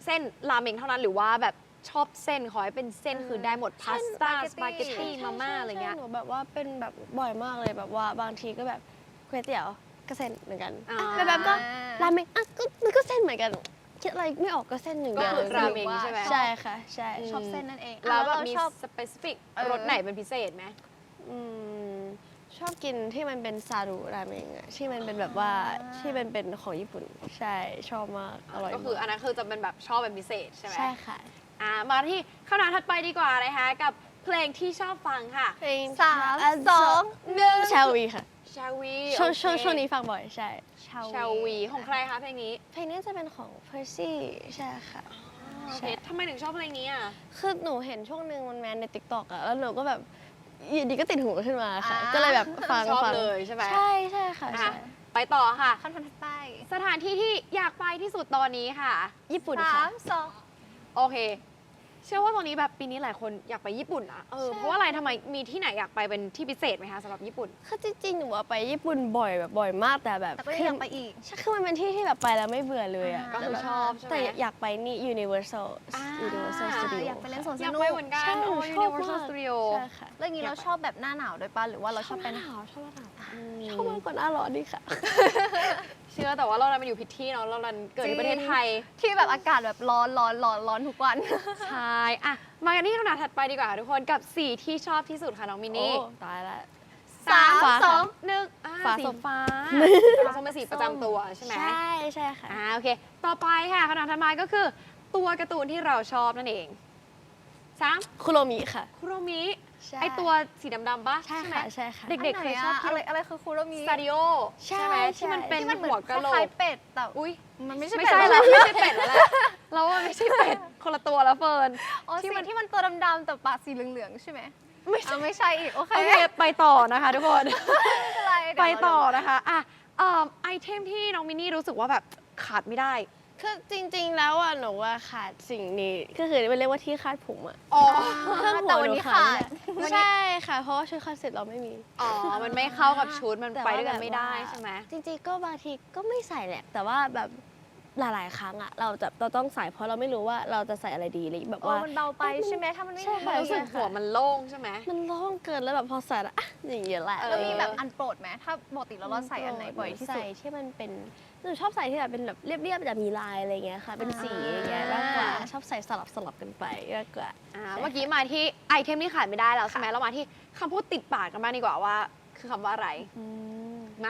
A: ส้นราเมงเท่านั้นหรือว่าแบบชอบเส้นขอให้เป็นเส้นคือได้หมดพาสต้าสปาเกตตี้มาม่าอะไรเงี้ย
D: หนูแบบว่าเป็นแบบบ่อยมากเลยแบบว่าบางทีก็แบบก๋วยเตี๋ยวก็เส้นเหมือนกัน
A: อ่า
D: แบบก็ราเมงอ่ะก็มันก็เส้นเหมือนกันคิดอะไรไม่ออกก็เส้นหนึ่ง
A: ก็
D: เดียว
A: คือราเมงใช่ไหม
D: ใช่ค่ะใช่
B: ชอบเส้นนั่นเอง
A: แล้วแบบ
B: เรา
A: มี
B: ชอบ
A: สเปซิฟิก
B: เออ
A: รสไหนเป็นพิเศษไหม
D: อืมชอบกินที่มันเป็นซารุราเมงอะที่มันเป็นแบบว่าที่มันเป็นของญี่ปุ่นใช่ชอบมากอร่อย
A: ก็คืออั
D: มาก
A: นนั้นคือจะเป็นแบบชอบเป็นพิเศษใช่ไหม
D: ใช่ค่ะ
A: มาที่คำถามถัดไปดีกว่านะคะกับเพลงที่ชอบฟังค่ะ
D: เพลง
B: สามสองหนึ่ง
D: ชาวีค่ะ
A: ชาวี
D: ช่วงนี้ฟังบ่อยใช่
A: ชาวีของใครคะเพลงนี้
D: เพลงนี้จะเป็นของ Percy ใช่ค่ะ
A: โอเคทำไมถึงชอบเพลงนี้อ่ะ
D: คือหนูเห็นช่วงหนึ่งมันแมนใน TikTok อะแล้วหนูก็แบบอยู่ดีก็ติดหูขึ้นมาค่ะ
B: อ่า
D: ก็เลยแบบฟัง
A: ชอบ
D: ฟัง
A: เลยใช่ไหม
D: ใช่ใช่ค่ะ
A: อ่ะ
D: ใช่
A: ไปต่อค่ะ
B: คำถามถัดไป
A: สถานที่ที่อยากไปที่สุดตอนนี้ค่ะ
D: ญี่ปุ่น
B: สา
D: ค่ะ
B: มสอง
A: โอเค เชื่อว่าตอนนี้แบบปีนี้หลายคนอยากไปญี่ปุ่นนะเพราะว่าอะไรทำไมมีที่ไหนอยากไปเป็นที่พิเศษไหมคะสำหรับญี่ปุ่น
D: คือจริงๆหนูว่าไปญี่ปุ่นบ่อยแบบบ่อยมากแต่แบบ
B: แต่ก็ยังอยากไปอีก
D: ใช่คือมันเป็นที่ที่แบบไปแล้วไม่เบื่อเลยอะ
B: อ่า
A: ก็คือชอบใช่ไหม
D: แต่อยากไปนี่ Universal
A: อ่า
D: Universal
B: อ่า
D: Studio
B: อยากไปเล่นสวน
A: อ
B: ส
A: ยาก
B: นุ
A: ไป
B: ก
A: เหมือนกัน
D: ใช่หนูชอบ
A: Universal
D: มาก
A: Studio
D: ใช่ค่ะ
B: แล้วอย่างนี้เราชอบแบบหน้าหนาวด้วยป่ะหรือว่าเราชอบไป
D: ห
B: ห
D: น้า
B: น้า
D: หนาวชอบหน้าหนาวชอบมากกว่าหน้าร้อนดีค่ะ
A: เชื่อแต่ว่าเราดันมาอยู่ผิดที่เนาะเราดันเกิดในประเทศไทย
B: ที่แบบอากาศแบบร้อนทุกวัน
A: ใช่อะมากันที่คำถามถัดไปดีกว่าค่ะทุกคนกับสีที่ชอบที่สุดค่ะน้องมิน
D: โอ้
A: นี่
D: ตายละ
A: สาม
D: ฟ้า
A: ส
D: ค่ะ
A: องหนึ่ง
D: ฟ้า
A: สี
D: ส้ม
A: ฟ้าฟ้าส้มเป็นสีประจำตัวใช่ไหม
D: ใช่ใช่ค่ะ
A: โอเค ต่อไปค่ะคำถามถัดมาก็คือ ตัวการ์ตูนที่เราชอบนั่นเองสาม
D: คุโรมิค่ะ
A: คุโรมิ
D: ใช่
A: ไอตัวสีดำๆปะ
D: ใช่
A: ไหม
D: ค่ะใช่ค่ะ
A: เด็กๆเคยชอบ
B: อะไรคือคูโรมิ
A: สตาดิโอ
D: ใช่
A: ใช่ไหม
D: ใช่
A: ที่มันเป็น
B: ที่มันเหมื
A: หัว
B: อน
A: กะโหล
B: คล้าย
A: ก
B: ๆเป็ดแต่
A: อุ้ย
B: มันไม่ใช่
A: ไม่
B: เป็ด
A: ใช่
B: แล้
A: แล้ว
B: ว
A: ไม่ใช่เป็ดแล้วแหละเราว่าไม่ใช่เป็ดคนละตัวแล้วเฟิร์น
B: อ๋อ
A: ที่
B: สี
A: มัน
B: ที่มันตัวดำๆแต่ปากสีเหลืองๆใช่ไหม
A: ไม่ใช่
B: ไม่ใช่อีกโอเค
A: โอเคไปต่อนะคะทุกคน
B: ไม่เป็นไรเดี๋ยว
A: ไป
B: เรา
A: ต่อนะคะไอเทมที่น้องมินนี่รู้สึกว่าแบบขาดไม่ได้
D: คือจริงๆ แล้วอ่ะหนูว่าขาดสิ่งนี้ก็คือมันเรียกว่าที่คาดผมอ่ะ
A: อ๋อ
D: เครื่องหั
B: แต่
D: ว
B: วัน
D: หนู
B: นี้
D: ขา
B: ขา
D: ด
B: ด
D: ไม่ได้ใช่ค่ะ เพราะว่าชุดคอนเซ็ปต์เราไม่มี
A: อ๋อ มันไม่เข้ากับชุด มัน
D: แต่
A: ไป
D: ว่า
A: ด้วยกัน
D: แบบ
A: ไม่ได้
D: ว่า
A: ใช่ไหม
D: จริงๆ ก็บางทีก็ไม่ใส่แหละ แต่ว่าแบบหลายๆ ครั้งอ่ะเราต้องใส่เพราะเราไม่รู้ว่าเราจะใส่อะไรดีเลยแบบ
B: โอ้
D: ว่า
B: มันเบาไปใช่ไหมถ้ามันไม่
D: ใช่
B: มี
D: ค่ะ
A: รู้สึกหัวมันโล่งใช่ไหม
D: มันโล่งเกินแล้วแบบพอใส่แล้วอ่ะอย่างเงี้ยแหละ
B: แล้วมีแบบอันโปรดไหมถ้าปกติเราใส่อันไหนบ่อยที่สุด
D: ใส่ที่มันเป็นหนูชอบใส่ที่แบบเป็นแบบเรียบๆแต่มีลายอะไรเงี้ยค่ะ เป็นสีอย่างเงี้ยมากกว่าชอบใส่สลับกันไปมากกว่า
A: เมื่อกี้มาที่ไอเทมที่ขาดไม่ได้แล้วใช่ไหมเรามาที่คำพูดติดปากกันบ้างดีกว่าว่า คือคำว่าอะไร มา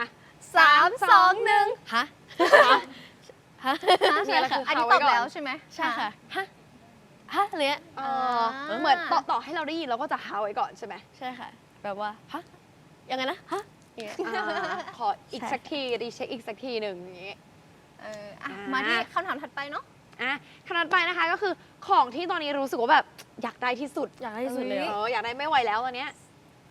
B: 3 2 1
D: ฮะ ฮะ
A: มีอะไรคือ
B: อันนี้
A: เขา
B: ต
A: ไว้
B: อบ
A: ก่อน
B: แล้วใช่ไหม
D: ใช่ค่ะ ฮะ ฮะอะไรเงี้ย
A: เหมือนต่อให้เราได้ยินเราก็จะหาไว้ก่อนใช่ไหม
D: ใช่ค่ะ แบบว่า ฮะ ยังไงนะ ฮะอย่างเงี้ย
A: ขออีก
D: ใช่
A: สักทีรีเช็คอีกสักทีหนึ่งอย่างนี้
B: มาที่คำถามถัดไปเนาะ
A: คำนั้นไปนะคะก็คือของที่ตอนนี้รู้สึกว่าแบบอยากได้ที่สุด
D: อยากได้ที่สุดเลยเหรอ
A: อยากได้ไม่ไหวแล้วตอนเนี้ย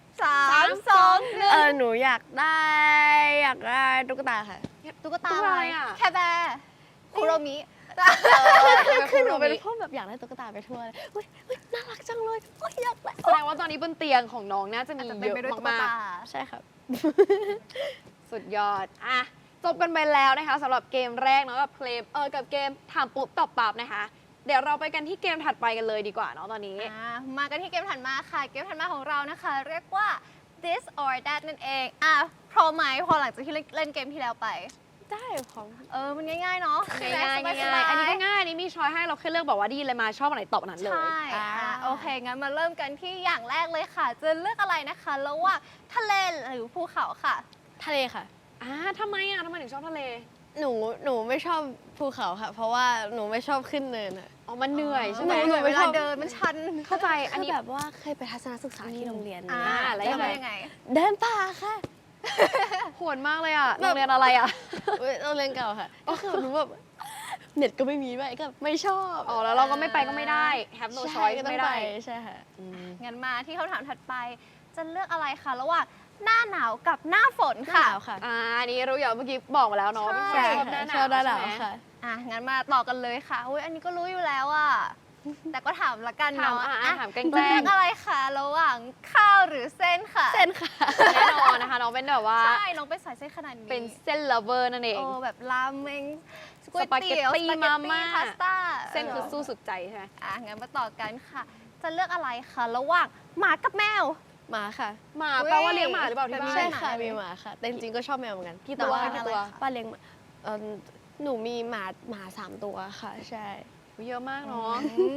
B: 3 2
D: หนูอยากได้ตุ๊กตาค่ะ
B: 1ตุ๊กตา
A: ตุ๊ก
B: อะ
A: ตา
B: ไร
A: อะไรอะ
B: แคร์แบร์คุโรมิ
D: คือหนูเป็นพวกแบบอยากได้ตุ๊กตาไปทั่วเลยอุ๊ยน่ารักจังเลยอุ๊ยอยากได้
A: แสดงว่าตอนนี้บนเตียงของน้องน่าจะมี
B: อาจจะ
A: เย
B: เป็น
A: อะ
B: ไปด้วยตุ๊ก
A: มาก
B: ตา
D: ใช่ครับ
A: ๆ สุดยอดจบกันไปแล้วนะคะสำหรับเกมแรกเนาะกับกับเกมถามปุ๊บตอบปั๊บนะคะ เดี๋ยวเราไปกันที่เกมถัดไปกันเลยดีกว่าเนาะตอนนี้
B: มากันที่เกมถัดมาค่ะ เกมถัดมาของเรานะคะ เรียกว่า this or that นั่นเองพร้อมไหมพอหลังจากที่เล่นเกมที่แล้วไป
D: ได้ของ
B: มันง่ายๆเนาะ
A: ง่ายๆ
B: สบ
A: ง่ายๆ
B: ๆ
A: อันนี้ก็ง่ายอันนี้มีช้อยให้เราแค่เลือกบอกว่าไดีเลยมาชอบอันไหนตอบอันนั้นเลย
B: ใช่โอเค งั้นมาเริ่มกันที่อย่างแรกเลยค่ะ จะเลือกอะไรนะคะระหว่างทะเลหรือภูเขาค่ะ
D: ทะเลค่ะ
A: ทำไมถึงชอบทะเล
D: หนูไม่ชอบภูเขาค่ะ เพราะว่าหนูไม่ชอบขึ้นเนินอะ
A: อ๋อ มันเหนื่อยใช่ไหม
D: หนู
B: เวลาเดินมันชัน
A: เข้าใจ อั
D: อั
A: น
D: น
A: นี้
D: นี้แบบว่าเคยไปทัศนศึกษาที่โรงเรียน
A: แล้ว
B: จะ
A: ยังไง
B: เป็นยังไง
D: เดินป่าค่ะ
A: โหดมากเลยโรงเรียนอะไร
D: โรงเรียนเก่าค่ะก็คือหนูแบบเน็ตก็ไม่มีด้วยก็ไม่ชอบ
A: อ๋อ แล้วเราก็ไม่ไปก็ไม่ได้ have no
D: ใช่
A: choice
D: ก็ต้อ
A: ไม่
D: ง
A: ได้
D: ไปใช่ค่ะ
B: งั้นมาที่คำถามถัดไป จะเลือกอะไรคะระหว่างหน้าหนาวกับหน้าฝนค่ะ
D: ค่ะ
A: อันนี้รู้อยู่เมื่อกี้บอกมาแล้วเนาะ
B: ใช่
A: ชอบหน้าหนาว
D: ชอบหน้าหนาว
A: ใช่ไหม
D: ค่ะ
B: งั้นมาต่อกันเลยค่ะอุ้ยอันนี้ก็รู้อยู่แล้วอ่ะแต่ก็ถามละกัน
A: ถาม
B: เนาะ
A: ถามแกล้
B: จะเลื
A: ง
B: อกอะไรคะระหว่างข้าวหรือเส้นค่ะ
D: เส้นค่ะ
A: ๆแน่นอนนะคะน้องเป็นแบบว่า
B: ใช่น้องเป็นสายเส้นขนาดนี้
A: เป็นเส้น lover นั่นเอง
B: โอ้แบบราเมงก๋วย
A: สปาเกต
B: เตี๋ยว
A: ตี้
B: สปาเกต
A: มา
B: ตี้
A: ม่า
B: พาสต้า
A: เส้นคือสู้สุดใจใช่ไหม
B: งั้นมาต่อกันค่ะ จะเลือกอะไรคะระหว่างหมากับแมว
D: หมาค่ะ
A: หมาแปลว่าเลี้ยงหมาหรือเปล่าที่บ้าน
B: ใช่
D: ใช่
B: หมา
D: ค่ะ
B: เลย
D: มีหมาค่ะ แต่จริงๆก็ชอบแมวเหมือนกัน
A: กี่
D: แต่
A: ตัว
D: ว่า
A: กี่ตัว
D: ป้าเลี้ยงหมาหนูมีหมา3 ตัวค่ะ ใช่
A: เยอะมากเนาะ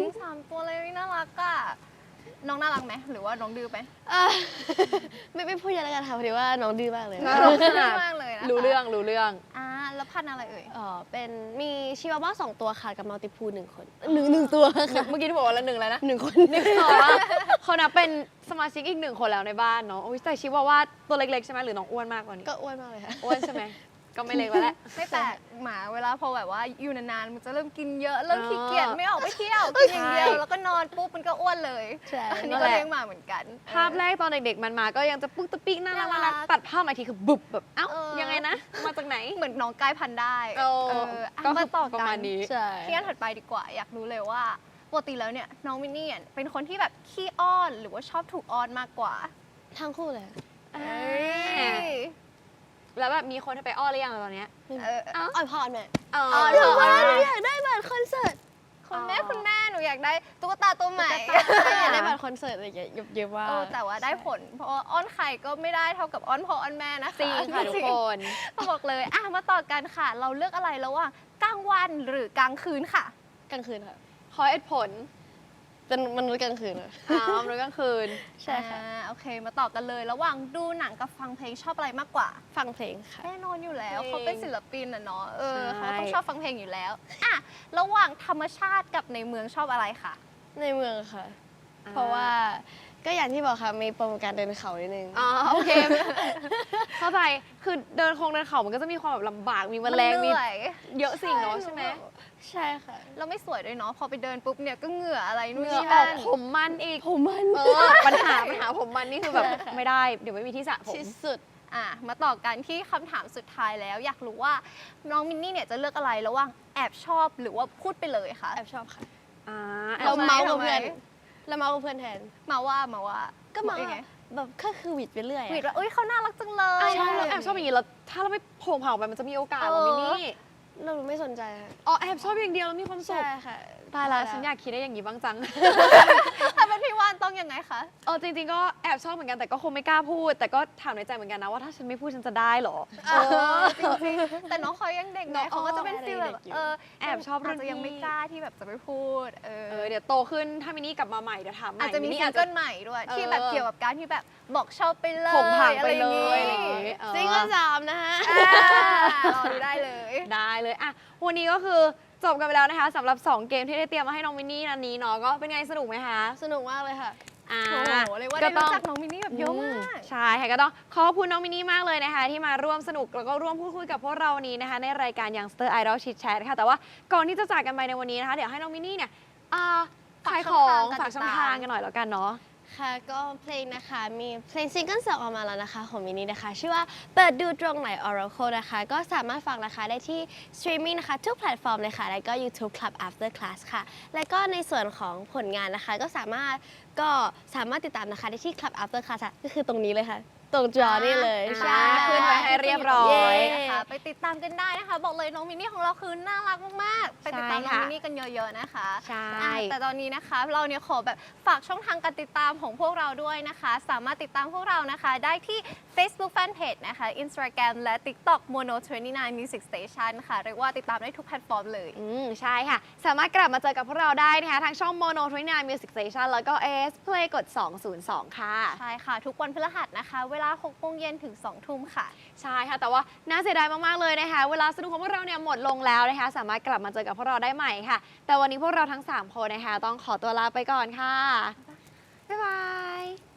B: 3 ตัวเลยน่ารักอะน้องน่ารักไหมหรือว่าน้องดื้อไหม
D: อ่ะ ไม่พูดเยอะแล้วกันค่ะพอดีว่าน้องดื้อมากเลย
A: น่า
B: น้
A: รั
B: อง
A: ก
B: ดื้
A: ขนาด
B: อมากเลยนะคะ
A: รู้เรื่องรู้เรื่อง
B: แล้วพันธุ์อะไรเอ่ย
D: เป็นมีชิวาว่า2 ตัวค่ะกับมัลติพู1 คนหนึ่งตัวค่ะ
A: เมื่อกี้ที่บอกว่าละหนึ่งแล้วนะ
D: 1 คน
A: ต่อว่าเขานับเป็นสมาชิกอีก1 คนแล้วในบ้านเนาะโอ้ยแต่ชิว่าตัวเล็กๆใช่ไหมหรือน้องอ้วนมากกว่านี้
D: ก็อ้วนมากเลยค่ะ
A: อ้วนใช่ไหมก็ไม่เล็กแล้วแหละ
B: ไม่แปลกหมาเวลาพอแบบว่าอยู่นานๆมันจะเริ่มกินเยอะเริ่มขี้เกียจ
A: อ๋อ
B: ไม่ออกไปเที่ยวกินอย่างเดียว
A: ใช่
B: แล้วก็นอนปุ๊บมันก็อ้วนเลย
D: ใช่
B: อัน
A: นั่
B: นี้
A: น
B: ก็
A: แหละ
B: เลี้ยงหมาเหมือนกัน
A: ภาพแรกตอนเด็กๆมันมาก็ยังจะปุ๊กตะปิ๊กน่ารัก
B: น่ารัก
A: ตัดภาพมาทีคือบุบแบบเอ้า
B: เออ
A: ยังไงนะ มาจากไหน
B: เหมือนน้องกลายพันธุ์ได้
A: เออ
B: ก็
A: ก็
B: มาต่อ
A: ประ
B: กั
A: มาณ
B: น
A: นี้
D: ใช่
B: ที่อันถัดไปดีกว่า อยากรู้เลยว่าปกติแล้วเนี่ยน้องมินนี่เป็นคนที่แบบขี้อ้อนหรือว่าชอบถูกอ้อนมากกว่า
D: ทั้งคู่เลย
B: เอ้ย
A: แล้วแบบมีคนให้ไปอ้อนหรือยังตอนเนี้ย
B: เออ
D: อ่อยพรแม่
A: อ๋อ
B: อ้อน
D: หนู
B: เหร
D: ว่าหนูอยากได้บัตรคอนเสิร์ต
B: คุณแม่หนูอยากได้ตุ๊กตาตัวใหม่
D: อยากได้บัตรคอนเสิร์ตอะไรอย่างเงี้ยเยอะมาก
B: แต่ว่าได้ผล เพราะว่าอ้อนใครก็ไม่ได้เท่ากับอ้อนพ่ออ้อนแม่นะคะ
A: จริงค่ะทุกคน
B: ต้องบอกเลยมาต่อกันค่ะ เราเลือกอะไรระหว่างกลางวันหรือกลางคืนค่ะ
D: กลางคืนค่ะ
A: ขอเหตุผล
D: เป็นมนุษย์กลางคืนค่ะ
A: มนุษย์กลางคืน
D: ใช่ค่ะ
B: โอเค มาต่อกันเลย ระหว่างดูหนังกับฟังเพลงชอบอะไรมากกว่า
D: ฟังเพลงค่ะ
B: แน่นอนอยู่แล้ว
A: เพลง
B: เขาเป็นศิลปินเนาะเขา
A: ใช่
B: ต้องชอบฟังเพลงอยู่แล้วระหว่างธรรมชาติกับในเมืองชอบอะไรคะ
D: ในเมืองค่ะ เพราะว่าก็อย่างที่บอกค่ะมีโปรโมการเดินเขานิดนึง
A: อ๋อโอเค เข้าใจคือเดินเขามันก็จะมีความแบบลำบากมีแมลง
B: มันเห
A: มี
B: นื่อย
A: เยอะสิ่งเนาะใช่ไหม
D: ใช่ค่ะ
B: เราไม่สวยด้วยเนาะพอไปเดินปุ๊บเนี่ยก็เหงื่ออะไรนู่น
A: เหงื่อ
B: นี่
A: ออ
B: นั่
A: ก
B: น
A: ผมมันอีก
D: ผมมัน
A: ปัญหาผมมันนี่คือแบบ
D: ใช่ค่ะ
A: ไม่ได้เดี๋ยวไม่มีที่สระผม
D: ที่สุด
B: มาต่อกันที่คำถามสุดท้ายแล้ว อยากรู้ว่าน้องมินนี่เนี่ยจะเลือกอะไรระหว่างแอบชอบหรือว่าพูดไปเลยคะ
D: แอบชอบค่ะ
A: อ่า
D: เราเมาส์กับ
B: ทำไม
D: เพื่อนเราเมาส์กับเพื่อนแทน
B: มาว่า
D: ก็เมาส์
B: ยังไง
D: แบบก็คือหวิดไปเรื่อยอะ
B: หวีดว่าเอ้ยเขาน่ารักจังเลย
A: ใช่เราแอบชอบอย่างนี้แล้วถ้าเราไม่โผล่เผาไปมันจะมีโอกาสเหรอมินนี่
D: เราไม่สนใจค่ะ
A: อ๋อแอบชอบอย่างเดียวแล้วมีความสุ
D: ใช่
A: ข
D: ค่ะ
A: ตายแล้วฉันอยากคิดได้อย่างนี้บ้างจัง
B: ถ้าเป็นพี่ว่านต้องยังไงคะ
A: จริงๆก็แอบชอบเหมือนกันแต่ก็คงไม่กล้าพูด แต่ก็ถามในใจเหมือนกันนะว่าถ้าฉันไม่พูดฉันจะได้เหรอ
B: จริงๆแต่น้องเขายังเด็กไง
A: น้อง
B: เขาก็จะเป็นฟีลแบบ
D: เด็กอยู่
A: แอบชอบรุ่น
B: าจจะยัง
A: พี่
B: ไม่กล้าที่แบบจะไปพูด
A: เดี๋ยวโตขึ้นถ้ามินนี่กลับมาใหม่เดี๋ยวถามใหม่
B: อาจจะมี
A: มินนี่
B: ซิ
A: อาง จ
B: เกิ
A: จะ
B: ลใหม่ด้วย
A: เออ
B: ที่แบบเกี่ยวกับการที่แบบบอกชอบไปเลย
A: ผงผางไป
B: อ
A: เล
B: ไร
A: ย
B: อ
A: อะไร
B: ย่าง
A: อย่าง
B: งี้
A: งี้
D: ซิงเกิล3นะฮะ
B: รอดูได้เลย
A: ได้เลยอ่ะวันนี้ก็คือจบกันไปแล้วนะคะสำหรับ 2 เกมที่ได้เตรียมมาให้น้องมินนี่นันนี้เนาะก็เป็นไงสนุกไหมคะ
D: สนุกมากเลยค่ะ
A: อ่า
B: โอ้โหเลยว่าได้รู้จักน้องมินนี่แบบเยอะมาก
A: ใช่ค่ะก็ต้องขอบคุณน้องมินนี่มากเลยนะคะ ที่มาร่วมสนุกแล้วก็ร่วมพูดคุยกับพวกเราวันนี้นะคะ ในรายการ Youngster Idol Chit Chat ค่ะแต่ว่าก่อนที่จะจากกันไปในวันนี้นะคะ เดี๋ยวให้น้องมินนี่เนี่ยขายของฝากช่องทางกันหน่อยแล้วกันเนาะ
D: ค่ะก็เพลงนะคะมีเพลงซิงเกิล2ออกมาแล้วนะคะของมินนี่นะคะ ชื่อว่าเปิดดูตรงไหน Oracle นะคะ ก็สามารถฟังนะคะได้ที่สตรีมมิ่งนะคะทุกแพลตฟอร์มเลยค่ะ แล้วก็ YouTube Club After Class ค่ะ แล้วก็ในส่วนของผลงานนะคะ ก็สามารถติดตามนะคะได้ที่ Club After Class ค่ะก็คือตรงนี้เลยค่ะ ตรงจอนี่เลย
A: ใช่ขึ้นไว้ให้เรียบร้อย
D: เย้
B: นะคะไปติดตามกันได้นะคะ บอกเลยน้องมินนี่ของเราคือน่ารักมากๆ ไปติดตามน้องมินนี่กันเยอะๆนะคะ
A: ใช่
B: แต่ตอนนี้นะคะเราเนี่ยขอแบบฝากช่องทางการติดตามของพวกเราด้วยนะคะ สามารถติดตามพวกเรานะคะ ได้ที่ Facebook Fanpage นะคะ Instagram และ TikTok Mono 29 Music Station ค่ะเรียกว่าติดตามได้ทุกแพลตฟอร์มเลย
A: ใช่ค่ะ สามารถกลับมาเจอกับพวกเราได้นะคะทางช่อง Mono 29 Music Station แล้วก็ AS Play กด 202 ค่ะ
B: ใช่ค่ะ ทุกวันพฤหัสนะคะ เวลา 6 โมงเย็นถึง 2 ทุ่มค่ะ
A: ใช่ค่ะ แต่ว่าน่าเสียดายมาก ๆ เลยนะคะ เวลาสนุกของพวกเราเนี่ยหมดลงแล้วนะคะ สามารถกลับมาเจอกับพวกเราได้ใหม่ค่ะ แต่วันนี้พวกเราทั้ง 3 คนนะคะ ต้องขอตัวลาไปก่อนค่ะ บ๊ายบาย